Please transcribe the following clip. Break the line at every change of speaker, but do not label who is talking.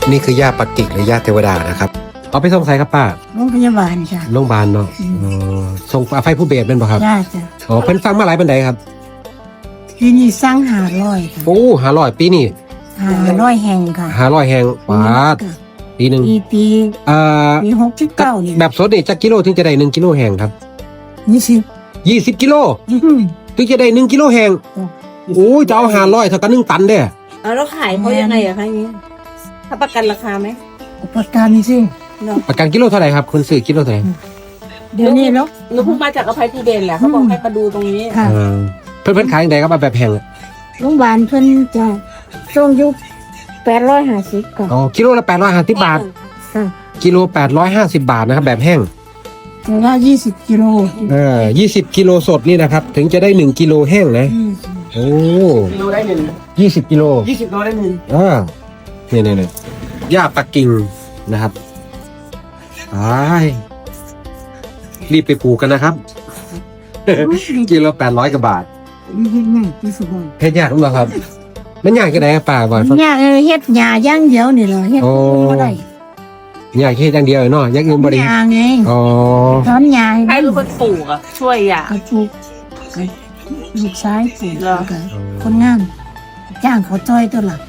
นี่คือย่าปักกิ่งหรือย่าเทวดานะครับเอาไปส่งใส่ครับป้า
โรงพยาบาลจ้ะ
โรงพยาบาลเนาะส่งไฟผู้เบสเป็นป่ะครับ
จ้าจ้ะ
อ๋อเพิ่นฟังมาหลายปันใดครับ
ปีนี้สร้าง500ค่ะ
โอ้500ปีนี่
500แห่งค่ะ
500แห่งบาทปีหนึ่ง
ปี
อ่า
ปี69นี่
แบบสดนี่จักกิโลถึงจะได้1 กิโลแห่งครับ
20
20 กิโลถึงจะได้1 กิโลแห่งโอ้ยจะเอา500เท่ากับ1 ตันเด้อ
แล้วขายเขายังไงอะคะอย่างนี้ถ้าประกันราคาไหม
ประกันสิ
เนาะ
ประกันกิโลเท่าไหร่ครับคุณซื้อกิโลเท่าไหร่
เดี๋ยวนี้เนาะ
หนูเพิ่งมาจากอภัยภูเบศแหละเขาบอกให้มาดูตรงนี้
ค่ะ
เพิ่นขายยังไงครับแบบแพงอะ
โรงพยาบาลเพิ่นจะส่งอยู่850ค่ะ
อ๋อกิโลละ850 บาท
ค่ะ
กิโล850 บาทนะครับแบบแห้ง
แต่ว่า20 กิโล
20 กิโลสดนี่นะครับถึงจะได้1 กิโลแห้งนะโอ้
กิโลได้
20 กิโล
20 โลได้หนึ่ง
เนี่ยย่าปักกิ่งนะครับไปรีบไปปลูกกันนะครับ กิโล800 กว่าบาท
เฮ็ดง่ายที่สุดเลย
เฮ็ดยากหรือเปล่าครับ มันยากกันไหนครับป้าบ่อยฟัง
เนี่ยเฮ็ดหญ้าอย่างเดียวนี่เหรอเฮ็ดบ่ได้
ยากแค่อย่างเดียวเนาะอยังอื่นบ่ได้
หญ้าไง
อ๋อ
ถอนหญ้า
ใครเป็นคนปลูกอะช่วยอ่ะ
กระปลูกลูกซ้ายปลูก
เหรอ
คนงานจ้างเขาจ้อยตัวหลัก